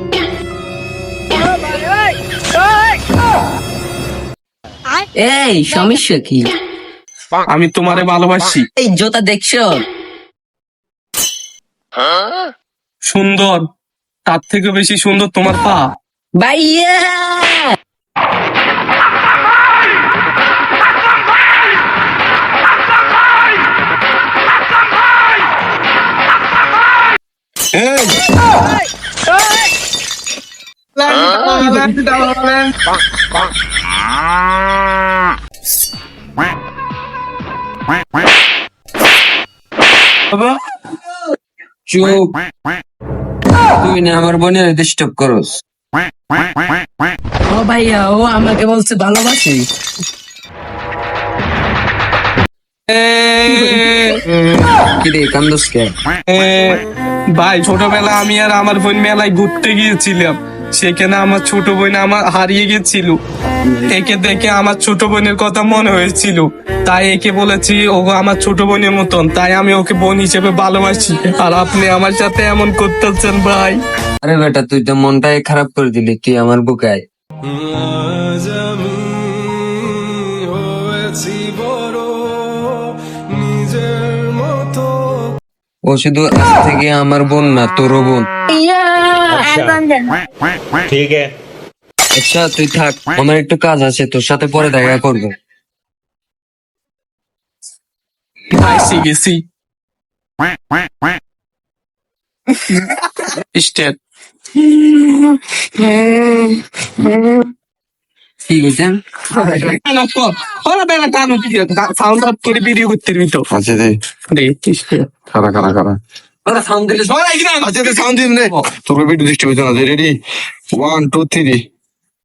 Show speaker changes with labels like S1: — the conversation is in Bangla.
S1: এই সমস্যা কি?
S2: আমি তোমারে ভালোবাসি।
S1: এই জোতা দেখছো?
S2: সুন্দর, তার থেকে বেশি সুন্দর তোমার পা।
S1: ভাইয়া
S3: চুপ, তুই না আমার বোনের ডিস্টার্ব করস।
S1: ও ভাইয়া, ও আমাকে বলছে ভালোবাসি।
S3: কিরে কান্দস কে?
S2: ভাই, ছোটবেলা আমি আর আমার বোন মেলায় ঘুরতে গিয়েছিলাম। সেখানে আমার ছোট বোন আমার হারিয়ে গেছিল। একে দেখে আমার ছোট বোনের কথা মনে হয়েছিল, তাই একে বলেছি ও আমার ছোট বোনের মতন, তাই আমি ওকে বোন হিসেবে ভালোবাসি। আর আপনি আমার সাথে এমন করতেছেন ভাই।
S3: আরে বেটা, তুই তো মনটাই খারাপ করে দিলি, তুই আমার বুকায়। ও শুধু আজ থেকে আমার বোন না, তোরও বোন।
S4: ठीक है।
S3: আচ্ছা তুই থাক, আমার একটু কাজ আছে, তোর সাথে পরে দেখা করবো।
S2: আইসি গেছি। স্টেট
S3: কি গেছেন?
S2: সাউন্ড আপ করে ভিডিও করতে দিবি তো।
S5: আচ্ছা দে, খারা খারা খারা
S3: সাউন্ড দিলে
S5: আচ্ছা দে, সাউন্ড দিন রে, তোর ভিডিও দৃষ্টি পেতো না। রেডি, 1 2 3